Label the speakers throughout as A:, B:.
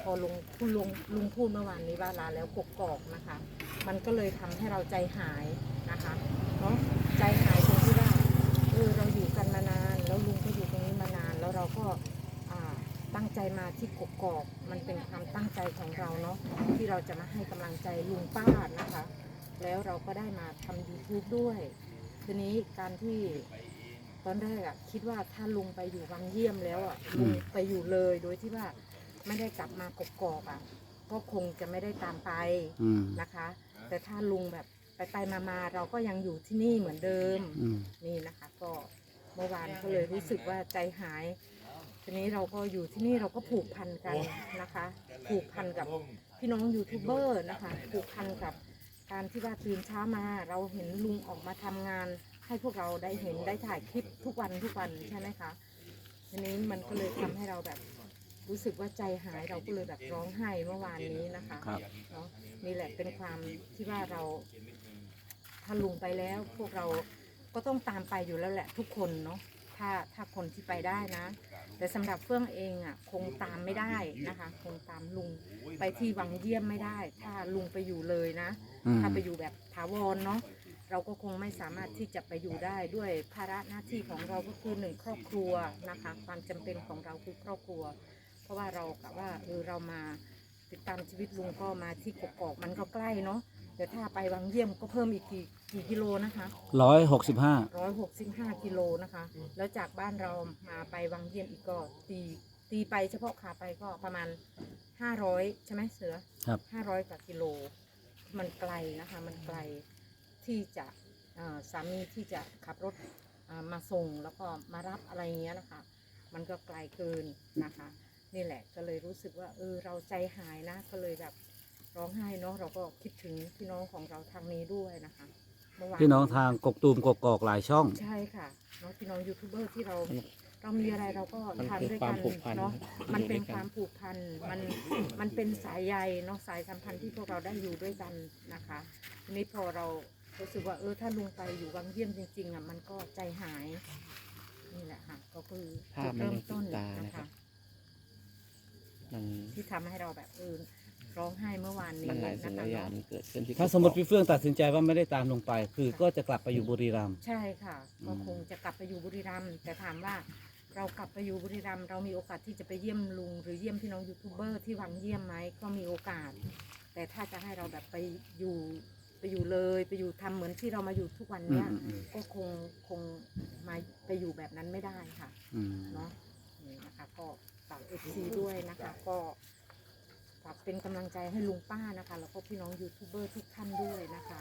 A: พอลุงพูดเมื่อวานนี้ว่าลาแล้วกกอกนะคะมันก็เลยทำให้เราใจหายนะคะเนาะใจหายตรงที่ว่าเราอยู่กันมานานแล้วลุงก็อยู่ตรงนี้มานานแล้วเราก็ตั้งใจมาที่กกอกมันเป็นความตั้งใจของเราเนาะที่เราจะมาให้กำลังใจลุงป้านะคะแล้วเราก็ได้มาทำ YouTube ด้วยทีนี้การที่ตอนแรกคิดว่าถ้าลุงไปอยู่วังเยี่ยมแล้วลุงไปอยู่เลยโดยที่ว่าไม่ได้กลับมากกอกก็คงจะไม่ได้ตามไปนะคะแต่ถ้าลุงแบบไปมาเราก็ยังอยู่ที่นี่เหมือนเดิมนี่นะคะก็เมื่อวานก็เลยรู้สึกว่าใจหายทีนี้เราก็อยู่ที่นี่เราก็ผูกพันกันนะคะผูกพันกับพี่น้องยูทูบเบอร์นะคะผูกพันกับการที่ว่าตื่นเช้ามาเราเห็นลุงออกมาทำงานให้พวกเราได้เห็นได้ถ่ายคลิปทุกวันใช่ไหมคะทีนี้มันก็เลยทำให้เราแบบรู้สึกว่าใจหายเราก็เลยแบบร้องไห้เมื่อวานนี้นะคะเนาะนี่แหละเป็นความที่ว่าเราถ้าลุงไปแล้วพวกเราก็ต้องตามไปอยู่แล้วแหละทุกคนเนาะถ้าคนที่ไปได้นะแต่สำหรับเฟื่องเองคงตามไม่ได้นะคะคงตามลุงไปที่วังเยี่ยมไม่ได้ถ้าลุงไปอยู่เลยนะถ้าไปอยู่แบบถาวรเนาะเราก็คงไม่สามารถที่จะไปอยู่ได้ด้วยภาระหน้าที่ของเราก็คือหนึ่งครอบครัวนะคะความจำเป็นของเราคือครอบครัวเพราะว่าเรากะว่าเรามาติดตามชีวิตลุงก็มาที่กกอกมันก็ใกล้เนาะแต่ถ้าไปวังเยี่ยมก็เพิ่มอีกกี่กิโลนะคะ165กิโลนะคะแล้วจากบ้านเรามาไปวังเยี่ยมอีกก็ตีไปเฉพาะขาไปก็ประมาณ500ใช่ไหมเสือ
B: ครับ
A: 500 กว่ากิโลมันไกลนะคะมันไกลที่จะสามีที่จะขับรถมาส่งแล้วก็มารับอะไรเงี้ยนะคะมันก็ไกลเกินนะคะนี่แหละก็เลยรู้สึกว่าเราใจหายนะก็เลยแบบร้องไห้เนาะเราก็คิดถึงพี่น้องของเราทางนี้ด้วยนะคะ
B: พี่น้องทางกกตูมกกอกหลายช่อง
A: ใช่ค่ะเนาะพี่น้องยูทูบเบอร์ที่เรามีอะไรเราก็ทำด้วยกันเนาะมันเป็นความผูกพันมันเป็นสายใยเนาะสายสัมพันธ์ที่พวกเราได้อยู่ด้วยกันนะคะทีนี้พอเรารู้สึกว่าถ้าลุงไปอยู่วังเยี่ยมจริงๆมันก็ใจหายนี่แหละค่ะก็คือจุดเริ่มต้นนะคะที่ทำให้เราแบบร้องไห้เมื่อวานนี้นะคะ
B: ถ้าสมมติพี่เฟื่องตัดสินใจว่าไม่ได้ตามลงไปคือก็จะกลับไปอยู่บุรีรัมย์
A: ใช่ค่ะก็คงจะกลับไปอยู่บุรีรัมย์แต่ถามว่าเรากลับไปอยู่บุรีรัมย์เรามีโอกาสที่จะไปเยี่ยมลุงหรือเยี่ยมพี่น้องยูทูบเบอร์ที่วังเยี่ยมไหมก็มีโอกาสแต่ถ้าจะให้เราแบบไปอยู่เลยไปอยู่ทำเหมือนที่เรามาอยู่ทุกวันเนี้ยก็คงมาไปอยู่แบบนั้นไม่ได้ค่ะเนาะนี่นะคะก็ฝากFCด้วยนะคะก็ฝากเป็นกำลังใจให้ลุงป้านะคะแล้วก็พี่น้องยูทูบเบอร์ทุกท่านด้วยนะคะ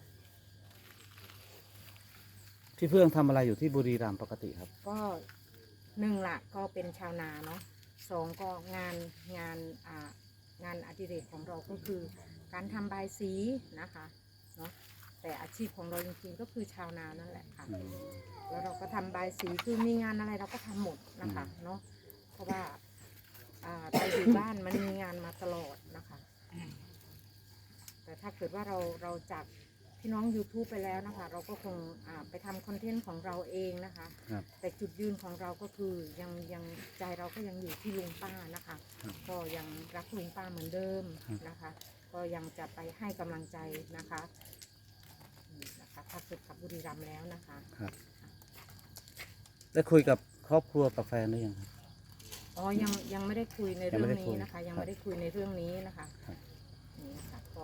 B: พี่เฟื่องทำอะไรอยู่ที่บุรีรัมย์ปกติครับ
A: ก็1ละก็เป็นชาวนาเนาะ2ก็งานอดิเรกของเราก็คือการทำบายสีนะคะเนาะแต่อาชีพของเราจริงๆก็คือชาวนานั่นแหละค่ะแล้วเราก็ทำบายสีคือมีงานอะไรเราก็ทำหมดนะคะเนาะเพราะว่าไปอยู่บ้านมันมีงานมาตลอดนะคะแต่ถ้าเกิดว่าเราจากพี่น้อง YouTube ไปแล้วนะคะเราก็คงไปทำคอนเทนต์ของเราเองนะคะแต่จุดยืนของเราก็คือยังใจเราก็ยังอยู่ที่ลุงป้านะคะก็ยังรักลุงป้าเหมือนเดิมนะคะก็ยังจะไปให้กำลังใจนะคะถ้าเกิดกับบุรีรัมย์แล้วนะคะ
B: ได้คุยกับครอบครัวกับแฟนหรือยังครับ
A: อ๋อยังไม่ได้คุยในเรื่องนี้นะคะยังไม่ได้คุยในเรื่องนี้นะคะนี่นะคะก็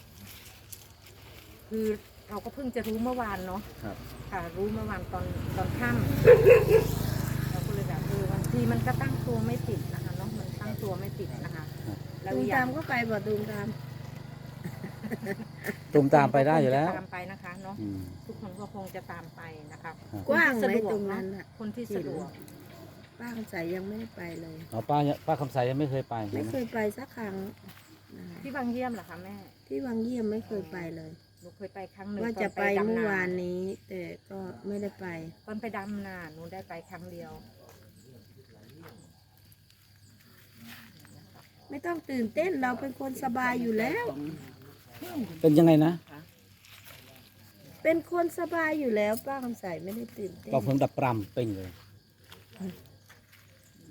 A: คือเราก็เพิ่งจะรู้เมื่อวานเนาะค่ะรู้เมื่อวานตอนค่ำเราก็เลยแบบบางทีมันก็ตั้งตัวไม่ติดนะคะเนาะมันตั้งตัวไม่ติดนะคะ
C: แล้วตูมตามก็ไปบ่ตูมตาม
B: ตูมตามไปได้อยู่แล้ว
A: ตามไปนะคะเนาะทุกคนก็คงจะตามไปนะคะ
C: กว้างไหมตรงนั้นน่ะ
A: คนที่สะดวก
C: ป้าคำใสยังไม่ได้ไปเลย
B: ป้าคำใสยังไม่เคยไป
C: ไม่เคยไปสักครั้ง
A: ที่วังเยี่ยมเหรอคะแม่
C: ที่วังเยี่ยมไม่เคยไปเลย
A: หนูเคยไปครั้งหนึ่ง
C: ว่าจะไปเมื่อวานนี้แต่ก็ไม่ได้ไป
A: ตอนไปดำนาหนูได้ไปครั้งเดียว
C: ไม่ต้องตื่นเต้นเราเป็นคนสบายอยู่แล้ว
B: เป็นยังไงนะ
C: เป็นคนสบายอยู่แล้วป้าคำใสไม่ได้ตื่นเต้น
B: บอกผมดับปรำเป็นเลย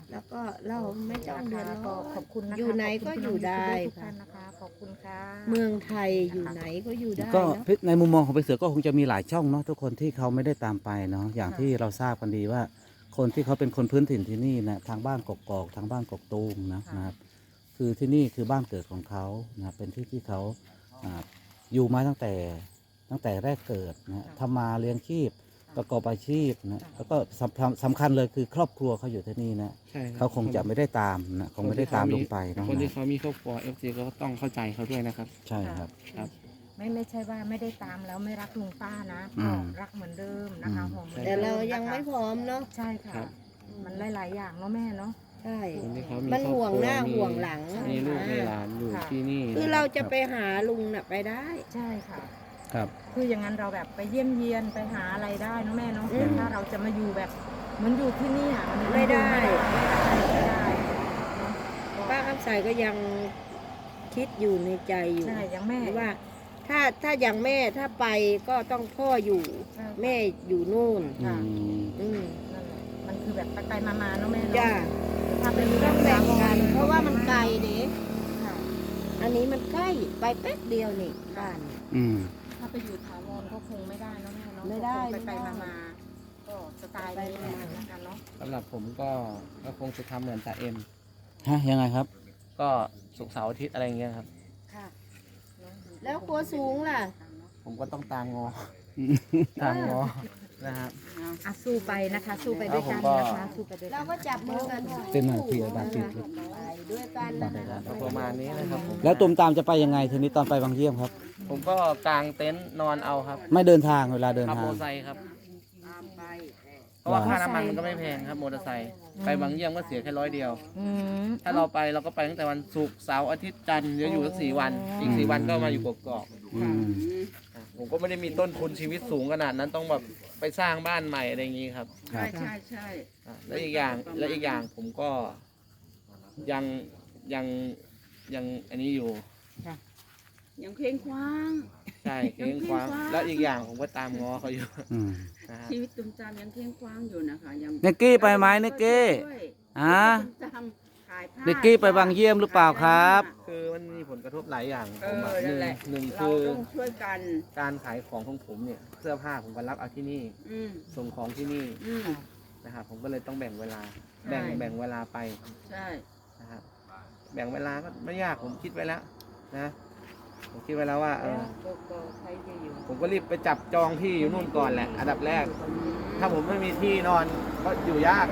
C: แล้วก็เราไม่ต้องเดือดร้
A: ก็
C: อน
A: ขอบคุณนะคะ
C: อยู่ไหนก็อยู่ได้
A: ทุก
C: ค่ะ
A: ท่านนะคะขอบคุณค่ะ
C: เมืองไทยอยู่ไหนก็อยู่ได้
B: ก็
C: เนาะ
B: ในมุมมองของไปเสือก็คงจะมีหลายช่องเนาะทุกคนที่เขาไม่ได้ตามไปเนาะอย่างที่เราทราบกันดีว่า คนที่เขาเป็นคนพื้นถิ่นที่นี่นะทางบ้านกกอกทางบ้านกกตูมนะครับคือที่นี่คือบ้านเกิดของเขานะเป็นที่ที่เขาอ่าอยู่มาตั้งแต่แรกเกิดนะทำมาเลี้ยงชีพประกอบอาชีพนะแล้วก็สำคัญเลยคือครอบครัวเขาอยู่ที่นี่นะ
D: ใช่รับ
B: เขาคงจะไม่ได้ตามนะคงไม่ได้ตามลงไปเนาะ
D: คนที่เขามีครอบครัว FC ก็ต้องเข้าใจเขาด้วยนะครับ
B: ใช่ครับ
D: ครับ
A: ไม่ใช่ว่าไม่ได้ตามแล้วไม่รักลุงป้านะ
B: อืม
A: ก็รักเหมือนเดิมนะคะ
B: อืม
A: ห่วงเหมือน
C: แต่
A: เดิม
C: เรายัง
A: นะคะ
C: ไม่พร้อมเนาะ
A: ใช่ค่ะ
D: ครับ
A: มันหลายๆอย่างเนาะแม่เนาะ
C: ใช่
D: คนที่เขามี
C: มัน
D: ครอบครั
C: ห่วงหน้า
D: มี
C: ห่วงหลัง
D: มีลูก
C: นะ
D: มีหลานอยู่
A: ค่ะ
D: ที่นี่
C: คือเราจะไปหาลุงน่ะไปได้
A: ใช่ค่ะ
B: ครับ
A: คืออย่างนั้นเราแบบไปเยี่ยมเยียนไปหาอะไรได้เนาะแม่เนาะ
C: อืม
A: แต่ถ้าเราจะมาอยู่แบบเหมือนอยู่ที่นี่อ่ะมัน
C: ไม่ได้
A: ไม่ได้เนาะ
C: ป้าคำใสก็ยังคิดอยู่ในใจอยู่
A: ใช่อย่างแม่
C: ว่าถ้าอย่างแม่ถ้าไปก็ต้องพ่ออยู่
A: ใช่
C: แม่อยู่นู่น
B: อืม
C: อืม
A: นั่นแหละมันคือแบบไปๆมาๆเนาะแม่เนาะ
C: จ้า
A: ถ้าเป็น
C: ต้องแบ่งกัน เพราะว่ามันไกลเด็ก
A: ค่ะ
C: อันนี้มันใกล้ไปแป๊บเดียวนี่บ้าน
B: อืม
A: ถ้าไปอยู่ถาวรก็คงไม่ได้เนาะแม่เนาะ
C: ไม่ได้
A: ก็คง
C: ไม่
A: ไป
C: ได้
A: ๆมาๆก็สไตล์นี้นะคะเนาะ
D: สำหรับผมก็คงจะทำเหมือนตาเอ็ม
B: ฮะยังไงครับ
D: ก็ศุกร์เสาร์อาทิตย์อะไรอย่างเงี้ยครับ
A: ค่ะ
C: แล้วครัวสูงล่ะ
D: ผมก็ต้องตามงอตามงอนะครับ
A: อ่ะสู้ไปนะคะสู้ไปด้วยกัน
D: แล้วผมก็
A: นะคะสู้ไปด้วยกั
C: เรา
A: น
C: ก็จับมือกัน
B: เต็มหน้าที่บาทติด
C: ไปด้วยกันนะคะ
D: ก็ประมาณนี้นะครับผม
B: แล้วตุมตามจะไปยังไงทีนี้ตอนไปบางเยี่ยมครับ
D: ผมก็กางเต็นท์นอนเอาครับ
B: ไม่เดินทางเวลาเดิน
D: ขับ
B: ทาม
D: อง เตอร์ไซค์ครับ เพราะว่าค่าน้ำมันมันก็ไม่แพงครับมอเตอร์ไซค์ไปบางเยี่ยมก็เสียแค่100 เดียว
A: อืม
D: ถ้าเราไปเราก็ไปตั้งแต่วันศุกร์เสาร์อาทิตย์จันทร์เดี๋ยวอยู่สัก4 วัน อีก 4 วันก็มาอยู่กกอก
B: อืม
D: ๆผมก็ไม่ได้มีต้นทุนชีวิตสูงขนาดนั้นต้องแบบไปสร้างบ้านใหม่อะไรอย่างนี้ครับ
B: ครับ
D: แล้วอีกอย่างผมก็ยังยังอันนี้อยู่
E: ยังเคว้งคว้าง
D: ใช่เก่งคว้างแล้วอีกอย่างผมก็ตามง้อเขาอยู่
B: อืม
D: นะฮะ
E: ชีวิตตุ้มตามยังเคว้งคว้างอยู่นะคะยัง
B: นิกกี้ไปไหมนิกกี้อ่ะ
E: ตุ้มตามขายผ้า
B: นิกกี้ไปบางเยี่ยมหรือเปล่าครับ
D: คือมันมีผลกระทบหลายอย่าง
E: เอ
D: ผม
E: อ
D: อะ
E: นั่นแหละ
D: หนึ่ง
E: เรา
D: คือ
E: ต้องช่วยกัน
D: การขายของของผมเนี่ยเสื้อผ้าผมก็รับเอาที่นี่
E: อืม
D: ส่งของที่นี่
E: อืม
D: นะครับผมก็เลยต้องแบ่งเวลา
E: ใช่
D: แบ่งเวลาไป
E: ใช่
D: นะครับแบ่งเวลาก็ไม่ยากผมคิดไว้แล้วนะผมคิดไว้แล้วว่าผมก็รีบไปจับจองที่อยู่นู่นก่อนแหละอันดับแรก ถ้าผมไม่มีที่นอนก็อยู่ยาก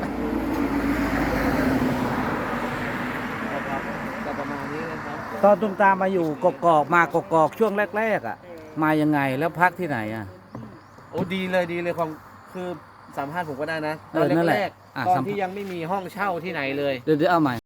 D: นะครับก็ประมาณนี้นะครับ
B: ตอนตุมตามมาอยู่กกอกมากกอกช่วงแรกๆอ่ะ มายังไงแล้วพักที่ไหนอ่ะ
D: โอ้ดีเลยความคือสัมภาษณ์ผมก็ได้นะ
B: เออนั่นแหละ
D: แรก
B: อ่ะ
D: ๆตอน
B: สัมภาษณ์
D: ที่ยังไม่มีห้องเช่าที่ไหนเลย
B: เดี๋ยวเอาใหม่